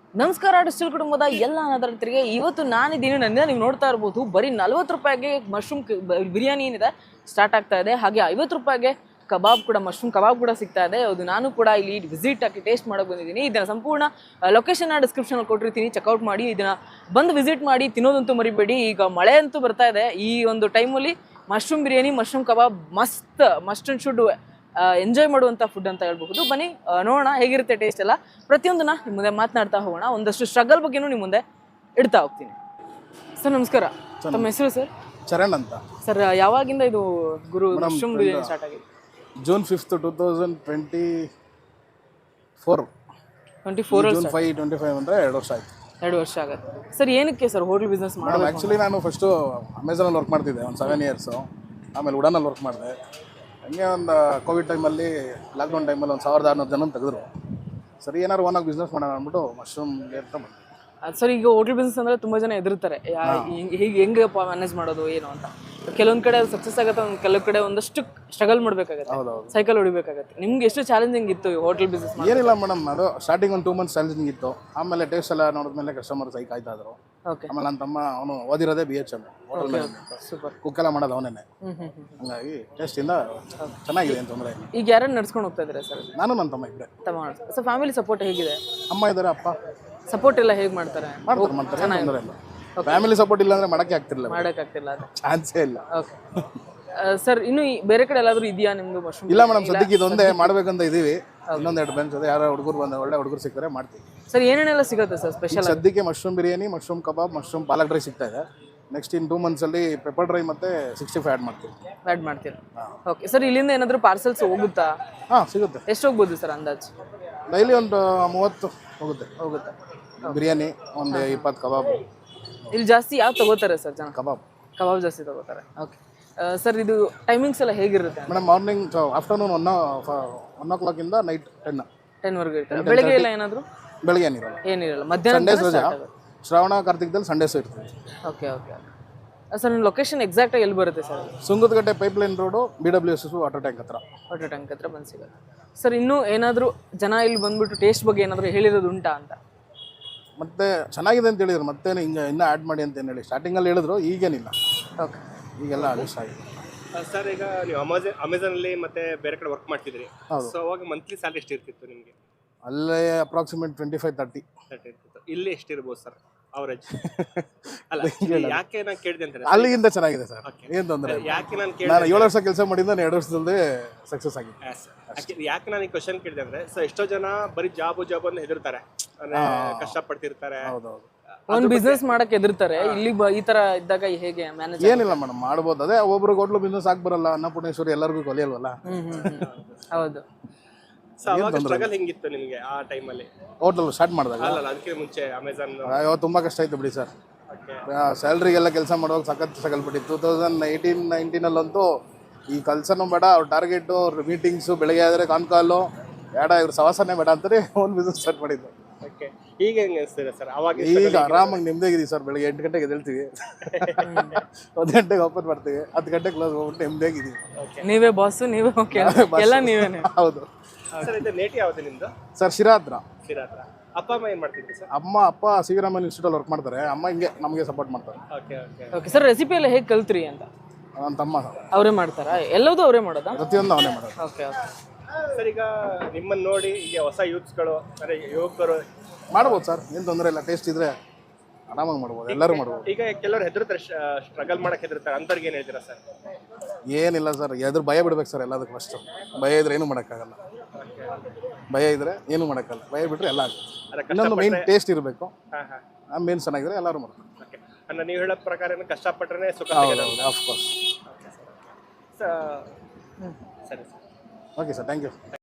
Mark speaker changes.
Speaker 1: ನಮಸ್ಕಾರ ಡಿಜಿಟಲ್ ಕುಟುಂಬದ ಎಲ್ಲ ಅನಾಥರಿಗೆ ಇವತ್ತು ನಾನಿದ್ದೀನಿ. ನನ್ನ ನೀವು ನೋಡ್ತಾ ಇರ್ಬೋದು, ಬರೀ 40 ರೂಪಾಯಿಗೆ ಮಶ್ರೂಮ್ ಬಿರಿಯಾನಿ ಏನಿದೆ ಸ್ಟಾರ್ಟ್ ಆಗ್ತಾ ಇದೆ. ಹಾಗೆ 50 ರೂಪಾಯಿಗೆ ಕಬಾಬ್ ಕೂಡ, ಮಶ್ರೂಮ್ ಕಬಾಬ್ ಕೂಡ ಸಿಗ್ತಾ ಇದೆ. ಅದು ನಾನು ಕೂಡ ಇಲ್ಲಿ ವಿಸಿಟ್ ಆಗಿ ಟೇಸ್ಟ್ ಮಾಡೋಕೆ ಬಂದಿದ್ದೀನಿ. ಇದನ್ನ ಸಂಪೂರ್ಣ ಲೊಕೇಶನ್ ಡಿಸ್ಕ್ರಿಪ್ಷನಲ್ಲಿ ಕೊಟ್ಟಿರ್ತೀನಿ, ಚೆಕ್ಔಟ್ ಮಾಡಿ. ಇದನ್ನ ಬಂದು ವಿಸಿಟ್ ಮಾಡಿ, ತಿನ್ನೋದಂತೂ ಮರಿಬೇಡಿ. ಈಗ ಮಳೆ ಅಂತೂ ಬರ್ತಾ ಇದೆ, ಈ ಒಂದು ಟೈಮಲ್ಲಿ mushroom biryani, mushroom kebab must and should enjoy ಮಾಡುವಂಥ ಫುಡ್ ಅಂತ ಹೇಳ್ಬಹುದು. ಬನ್ನಿ ನೋಡೋಣ ಹೇಗಿರುತ್ತೆ ಟೇಸ್ಟ್ ಎಲ್ಲ. ಪ್ರತಿಯೊಂದನ್ನ ನಿಮ್ಮ ಮುಂದೆ ಮಾತನಾಡ್ತಾ ಹೋಗೋಣ. ಒಂದಷ್ಟು ಸ್ಟ್ರಗಲ್ ಬಗ್ಗೆನೂ ನಿಮ್ಮ ಮುಂದೆ ಇಡ್ತಾ ಹೋಗ್ತೀನಿ. ಸರ್ ನಮಸ್ಕಾರ, ತಮ್ಮ ಹೆಸರು ಸರ್?
Speaker 2: ಚರಣ್ ಅಂತ
Speaker 1: ಸರ್. ಯಾವಾಗಿಂದ ಇದು ಗುರು ಮಶ್ರೂಮ್ ಬಿರಿಯಾನಿ ಸ್ಟಾರ್ಟ್ ಆಗಿದೆ?
Speaker 2: June 5th 2024.
Speaker 1: 24
Speaker 2: ಜೂನ್ 5 25 ಅಂದರೆ 2 ವರ್ಷ ಆಯ್ತು.
Speaker 1: 2 ವರ್ಷ ಆಗುತ್ತೆ ಸರ್. ಏನಕ್ಕೆ ಸರ್ ಹೋಟೆಲ್ ಬಿಸ್ನೆಸ್ ಮಾಡೋದು?
Speaker 2: ಆ್ಯಕ್ಚುಲಿ ನಾನು ಫಸ್ಟು ಅಮೆಝಾನಲ್ಲಿ ವರ್ಕ್ ಮಾಡ್ತಿದ್ದೆ ಒಂದು 7 ಇಯರ್ಸು. ಆಮೇಲೆ ಉಡಾನಲ್ಲಿ ವರ್ಕ್ ಮಾಡಿದೆ. ಹಂಗೆ ಒಂದು ಕೋವಿಡ್ ಟೈಮಲ್ಲಿ, ಲಾಕ್ಡೌನ್ ಟೈಮಲ್ಲಿ ಒಂದು 1600 ಜನ ತೆಗೆದ್ರು. ಸರಿ ಏನಾದ್ರು ಓನಾಗಿ ಬಿಸ್ನೆಸ್ ಮಾಡೋಣ ಅಂದ್ಬಿಟ್ಟು ಮಶ್ರೂಮ್ಗೆ ಅಂತ ಬಂದೆ.
Speaker 1: ಸರ್, ಈಗ ಹೋಟೆಲ್ ಬಿಸ್ನೆಸ್ ಅಂದರೆ ತುಂಬ ಜನ ಹೆದರ್ತಾರೆ, ಹೀಗೆ ಹೆಂಗಪ್ಪ ಮ್ಯಾನೇಜ್ ಮಾಡೋದು ಏನು ಅಂತ. ಕೆಲವೊಂದು ಕಡೆ ಅದು ಸಕ್ಸಸ್ ಆಗುತ್ತೆ, ಕೆಲವು ಕಡೆ ಒಂದಷ್ಟು ಸ್ಟ್ರಗಲ್ ಮಾಡಬೇಕಾಗತ್ತೆ, ಸೈಕಲ್ ಹೊಡಿಬೇಕಾಗತ್ತೆ. ನಿಮ್ಗೆ ಎಷ್ಟು ಚಾಲೆಂಜಿಂಗ್ ಇತ್ತು ಹೋಟೆಲ್ ಬಿಸ್ನೆಸ್?
Speaker 2: ಏನಿಲ್ಲ ಮೇಡಮ್, ಅದು ಸ್ಟಾರ್ಟಿಂಗ್ ಒಂದು 2 months ಚಾಲೆಂಜಿಂಗ್ ಇತ್ತು. ಆಮೇಲೆ ಟೇಸ್ಟ್ ಎಲ್ಲ ನೋಡಿದ್ಮೇಲೆ ಕಸ್ಟಮರ್ ಸೈ ಕಾಯ್ತಾ ಇದ್ರು. ಆಮೇಲೆ ನನ್ನ ತಮ್ಮ ಅವನು ಓದಿರೋದೇ BHM ಹೋಟೆಲ್ ಮ್ಯಾನೇಜ್ಮೆಂಟ್,
Speaker 1: ಸೂಪರ್.
Speaker 2: ಕುಕ್ಕೆಲ್ಲ ಮಾಡೋದು ಅವನೇ. ಹಂಗಾಗಿ ಟೇಸ್ಟಿಂದ ಚೆನ್ನಾಗಿದೆ ಅಂತ ತೊಂದರೆ ಇಲ್ಲ.
Speaker 1: ಈಗ ಯಾರನ್ನ ನಡ್ಸ್ಕೊಂಡು ಹೋಗ್ತಾ ಇದ್ದಾರೆ ಸರ್?
Speaker 2: ನಾನು ನನ್ನ ತಮ್ಮ ಇಬ್ಬರೇ.
Speaker 1: ತಮ್ಮ ಸರ್, ಫ್ಯಾಮಿಲಿ ಸಪೋರ್ಟ್ ಹೇಗಿದೆ?
Speaker 2: ಅಮ್ಮ ಇದ್ದಾರೆ, ಅಪ್ಪ
Speaker 1: ಸಪೋರ್ಟ್ ಎಲ್ಲ ಹೇಗೆ ಮಾಡ್ತಾರೆ?
Speaker 2: ಮಾಡ್ತಾರೆ, ತೊಂದರೆ ಇಲ್ಲ. ಫ್ಯಾಮಿಲಿ ಸಪೋರ್ಟ್ ಇಲ್ಲ ಅಂದ್ರೆ ಮಾಡೋಕ್ಕಾಗ್ತಿರಲಿಲ್ಲ,
Speaker 1: ಮಾಡೋಕ್ಕಾಗ್ತಿಲ್ಲ, ಅದು
Speaker 2: ಚಾನ್ಸೇ ಇಲ್ಲ.
Speaker 1: Okay sir. ಇನ್ನು ಬೇರೆ ಕಡೆ ಎಲ್ಲಾದರೂ ಇದೆಯಾ ನಿಮ್ದು ಮಶ್ರೂಮ್?
Speaker 2: ಇಲ್ಲ ಮೇಡಮ್, ಸದ್ಯಕ್ಕೆ ಇದೊಂದೇ ಮಾಡ್ಬೇಕಂತ ಇದೀವಿ. ಇನ್ನೊಂದೆರಡು ಬೆಂಚ್ ಅದೇ, ಯಾರೋ ಹುಡುಗರು ಬಂದ ಒಳ್ಳೆ ಹುಡುಗರು ಸಿಗ್ತಾರೆ ಮಾಡ್ತೀವಿ.
Speaker 1: ಸರ್, ಏನೇನೆಲ್ಲ ಸಿಗುತ್ತೆ ಸರ್ ಸ್ಪೆಷಲ್?
Speaker 2: ಸದ್ಯಕ್ಕೆ mushroom biryani, mushroom kebab, mushroom palak dry ಸಿಗ್ತಾ ಇದೆ. ನೆಕ್ಸ್ಟ್ ಇನ್ 2 months ಅಲ್ಲಿ ಪೆಪ್ಪರ್ ಡ್ರೈ ಮತ್ತೆ 65 ಆ್ಯಡ್ ಮಾಡ್ತೀವಿ.
Speaker 1: ಆ್ಯಡ್ ಮಾಡ್ತೀರಾ? Okay sir. ಇಲ್ಲಿಂದ ಏನಾದರೂ ಪಾರ್ಸಲ್ಸ್ ಹೋಗುತ್ತಾ?
Speaker 2: ಹಾಂ, ಸಿಗುತ್ತೆ.
Speaker 1: ಎಷ್ಟು ಹೋಗ್ಬೋದು ಸರ್ ಅಂದಾಜು?
Speaker 2: ಡೈಲಿ ಒಂದು 30 ಹೋಗುತ್ತೆ. ಬಿರಿಯಾನಿ ಒಂದು 20 ಕಬಾಬ್.
Speaker 1: ಇಲ್ಲಿ ಜಾಸ್ತಿ ಯಾವ ತಗೋತಾರೆ ಸರ್ ಜನ? ಕಬಾಬ್ ಜಾಸ್ತಿ ತಗೋತಾರೆ. ಓಕೆ ಸರ್, ಇದು ಟೈಮಿಂಗ್ಸ್ ಎಲ್ಲ ಹೇಗಿರುತ್ತೆ
Speaker 2: ಮೇಡಮ್? ಮಾರ್ನಿಂಗ್ ಆಫ್ಟರ್ನೂನ್ 1 o'clock ಇಂದ ನೈಟ್
Speaker 1: 10ವರೆಗೂ ಇರ್ತಾರೆ. ಬೆಳಗ್ಗೆ ಎಲ್ಲ ಏನಾದರೂ?
Speaker 2: ಬೆಳಗ್ಗೆ
Speaker 1: ಏನಿರಲ್ಲ, ಮಧ್ಯಾಹ್ನ
Speaker 2: ಸಂಡೇಸ್ ರಜಾ. ಶ್ರಾವಣ ಕಾರ್ತಿಕದಲ್ಲಿ ಸಂಡೇಸ್ ಇರ್ತದೆ.
Speaker 1: ಓಕೆ ಸರ್, ನಿಮ್ಮ ಲೊಕೇಶನ್ ಎಕ್ಸಾಕ್ಟಾಗಿ ಎಲ್ಲಿ ಬರುತ್ತೆ sir?
Speaker 2: Sungadakatte pipeline road, BWS water tank ಹತ್ರ.
Speaker 1: ವಾಟರ್ ಟ್ಯಾಂಕ್ ಹತ್ರ ಬಂದು ಸಿಗುತ್ತೆ. ಸರ್, ಇನ್ನೂ ಏನಾದರೂ ಜನ ಇಲ್ಲಿ ಬಂದ್ಬಿಟ್ಟು ಟೇಸ್ಟ್ ಬಗ್ಗೆ ಏನಾದರೂ ಹೇಳಿರೋದು ಉಂಟಾ ಅಂತ?
Speaker 2: ಮತ್ತೆ ಚೆನ್ನಾಗಿದೆ ಅಂತ ಹೇಳಿದ್ರು, ಮತ್ತೆ ಹಿಂಗೆ ಇನ್ನೂ ಆ್ಯಡ್ ಮಾಡಿ ಅಂತ ಏನು ಹೇಳಿ ಸ್ಟಾರ್ಟಿಂಗಲ್ಲಿ ಹೇಳಿದ್ರು. ಈಗೇನಿಲ್ಲ,
Speaker 1: ಓಕೆ,
Speaker 2: ಈಗೆಲ್ಲ ಅಡ್ಜಸ್ಟ್ ಆಗಿದೆ.
Speaker 3: ಸರ್, ಈಗ ನೀವು ಅಮೆಝಾನಲ್ಲಿ ಮತ್ತೆ ಬೇರೆ ಕಡೆ ವರ್ಕ್ ಮಾಡ್ತಿದ್ರಿ. ಸೊ ಅವಾಗ ಮಂತ್ಲಿ ಸ್ಯಾಲರಿ ಎಷ್ಟು ಇರ್ತಿತ್ತು ನಿಮಗೆ?
Speaker 2: ಅಲ್ಲೇ ಅಪ್ರಾಕ್ಸಿಮೇಟ್ 25-30
Speaker 3: ಇರ್ತಿತ್ತು. ಇಲ್ಲಿ ಎಷ್ಟಿರ್ಬೋದು ಸರ್ ಅವರೇಜ್? ಅಲ್ಲ, ಯಾಕೆ ನಾನು ಕೇಳಿದೆ ಅಂತಾರೆ,
Speaker 2: ಅಲ್ಲಿಗಿಂತ ಚೆನ್ನಾಗಿದೆ ಸರ್, ಏನು ತೊಂದರೆ ಇಲ್ಲ.
Speaker 3: ಯಾಕೆ ನಾನು
Speaker 2: 7 ವರ್ಷ ಕೆಲಸ ಮಾಡಿದ್ದು 2 ವರ್ಷದಲ್ಲೇ ಸಕ್ಸಸ್ ಆಗಿದೆ.
Speaker 3: ಯಾಕೆ ನಾನು ಈ ಕ್ವಶನ್ ಕೇಳಿದೆ ಅಂದ್ರೆ, ಸೊ ಎಷ್ಟೋ ಜನ ಬರೀ ಜಾಬ್ ಅಂತ ಹೆದರ್ತಾರೆ, ಅಂದ್ರೆ ಕಷ್ಟಪಡ್ತಿರ್ತಾರೆ.
Speaker 2: ಹೌದೌದು,
Speaker 1: ಒಂದು ಬಿಸ್ನೆಸ್ ಮಾಡಕ್ಕೆ ಹೆದರ್ತಾರೆ. ಇಲ್ಲಿ ಈ ತರ ಇದ್ದಾಗ ಹೇಗೆ ಮ್ಯಾನೇಜ್?
Speaker 2: ಏನಿಲ್ಲ ಮೇಡಮ್, ಮಾಡ್ಬೋದು. ಅದೇ ಒಬ್ರಿಗೆ ಹೋಟ್ಲು ಬಿಸ್ನೆಸ್ ಬರಲ್ಲ, ಅನ್ನಪೂರ್ಣೇಶ್ವರಿ ಎಲ್ಲರಿಗೂ ಕೊಲಿಯಲ್ವಲ್ಲ.
Speaker 1: ಹೌದು.
Speaker 3: ಸೊ ಅವಾಗ ಸ್ಟ್ರಗಲ್ ಹೆಂಗಿತ್ತು ನಿಮಗೆ ಆ ಟೈಮಲ್ಲಿ
Speaker 2: ಹೋಟೆಲ್ ಸ್ಟಾರ್ಟ್ ಮಾಡಿದಾಗ?
Speaker 3: ಅಲ್ಲ, ಅದಕ್ಕೆ ಮುಂಚೆ ಅಮೆಝಾನ್
Speaker 2: ಅಯ್ಯೋ ತುಂಬ ಕಷ್ಟ ಆಯ್ತು ಬಿಡಿ ಸರ್. ಸ್ಯಾಲ್ರಿಗೆಲ್ಲ ಕೆಲಸ ಮಾಡುವಾಗ ಸಖತ್ ಸಗಲ್ಬಿಟ್ಟಿತ್ತು. 2018-19 ಈ ಕೆಲಸನೂ ಬೇಡ, ಅವ್ರ ಟಾರ್ಗೆಟು, ಅವ್ರ ಮೀಟಿಂಗ್ಸು, ಬೆಳಗ್ಗೆ ಆದರೆ ಕಾನ್ಕಾಲು ಬೇಡ, ಇವ್ರ ಸವಾಸನೆ ಬೇಡ ಅಂತಾರೆ ಓನ್ ಬಿಸ್ನೆಸ್ ಸ್ಟಾರ್ಟ್ ಮಾಡಿದ್ದು.
Speaker 3: ಓಕೆ, ಈಗ ಹೆಂಗೆ ಅನಿಸ್ತಿದೆ ಸರ್? ಅವಾಗ
Speaker 2: ಈಗ ಆರಾಮಾಗಿ ನಿಮ್ದಾಗಿದ್ದೀವಿ ಸರ್. ಬೆಳಗ್ಗೆ 8 ಗಂಟೆಗೆ ಎದ್ದೇಳ್ತೀವಿ, 1 ಗಂಟೆಗೆ ಓಪನ್ ಮಾಡ್ತೀವಿ, 10 ಗಂಟೆಗೆ ಕ್ಲೋಸ್ ಹೋಗ್ಬಿಟ್ಟು ನಿಮ್ದಾಗಿದ್ದೀವಿ.
Speaker 1: ನೀವೇ ಬಾಸು, ನೀವೇ ಎಲ್ಲ ನೀವೇನೆ?
Speaker 2: ಹೌದು
Speaker 3: ಸರ್. ಇದು ನೇಟಿ ಯಾವುದು ನಿಮ್ದು?
Speaker 2: ಸರ್, ಶಿರಾ ಹತ್ರ.
Speaker 3: ಅಪ್ಪ ಅಮ್ಮ ಏನು ಮಾಡ್ತಿದ್ರಿ ಸರ್?
Speaker 2: ಅಪ್ಪ ಸಿವಿರಾಮನ್ ಇನ್ಸ್ಟಿಟ್ಯೂಟಲ್ಲಿ ವರ್ಕ್ ಮಾಡ್ತಾರೆ. ಅಮ್ಮ ಹಿಂಗೆ ನಮಗೆ ಸಪೋರ್ಟ್ ಮಾಡ್ತಾರೆ.
Speaker 1: Okay sir. ರೆಸಿಪಿ ಎಲ್ಲ ಹೇಗೆ ಕಲ್ತ್ರಿ ಅಂತ?
Speaker 2: ನನ್ನ ತಮ್ಮ
Speaker 1: ಅವರೇ ಮಾಡ್ತಾರಾ? ಎಲ್ಲದೂ ಅವರೇ ಮಾಡೋದಾ?
Speaker 2: ಪ್ರತಿಯೊಂದು ಅವನೇ ಮಾಡೋದು.
Speaker 1: ಓಕೆ
Speaker 3: ಸರ್, ಈಗ ನಿಮ್ಮನ್ನು ನೋಡಿ ಈಗ ಹೊಸ ಯೂತ್ಸ್ಗಳು, ಅಂದರೆ ಯುವಕರು
Speaker 2: ಮಾಡ್ಬೋದು ಸರ್, ಏನು ತೊಂದರೆ ಇಲ್ಲ. ಟೇಸ್ಟ್ ಇದ್ರೆ ಆರಾಮಾಗಿ ಮಾಡ್ಬೋದು, ಎಲ್ಲರೂ ಮಾಡ್ಬೋದು.
Speaker 3: ಈಗ ಕೆಲವರು ಹೆದರ್ತಾರೆ, ಸ್ಟ್ರಗಲ್ ಮಾಡಕ್ಕೆ ಹೆದರ್ತಾರೆ, ಅಂಥವ್ರಿಗೆ ಏನು ಹೇಳ್ತೀರಾ ಸರ್?
Speaker 2: ಏನಿಲ್ಲ ಸರ್, ಎದುರು ಭಯ ಬಿಡ್ಬೇಕು ಸರ್ ಎಲ್ಲದಕ್ಕೂ. ಫಸ್ಟು ಭಯ ಇದ್ರೆ ಏನೂ ಮಾಡೋಕ್ಕಾಗಲ್ಲ. ಭಯ ಇದ್ರೆ ಏನೂ ಮಾಡೋಕ್ಕಲ್ಲ, ಭಯ ಬಿಟ್ಟರೆ ಎಲ್ಲ ಆಗುತ್ತೆ. ಇನ್ನೊಂದು ಮೇನ್ ಟೇಸ್ಟ್ ಇರಬೇಕು. ಆ ಮೇನ್ ಚೆನ್ನಾಗಿದ್ರೆ ಎಲ್ಲರೂ ಮಾಡ್ತಾರೆ.
Speaker 3: ಅಂದ್ರೆ ನೀವು ಹೇಳೋ ಪ್ರಕಾರ ಕಷ್ಟಪಟ್ಟರೆ ಸುಖ.
Speaker 2: ಆಫ್ಕೋರ್ಸ್.
Speaker 3: ಸರಿ sir.
Speaker 2: Okay sir, thank you.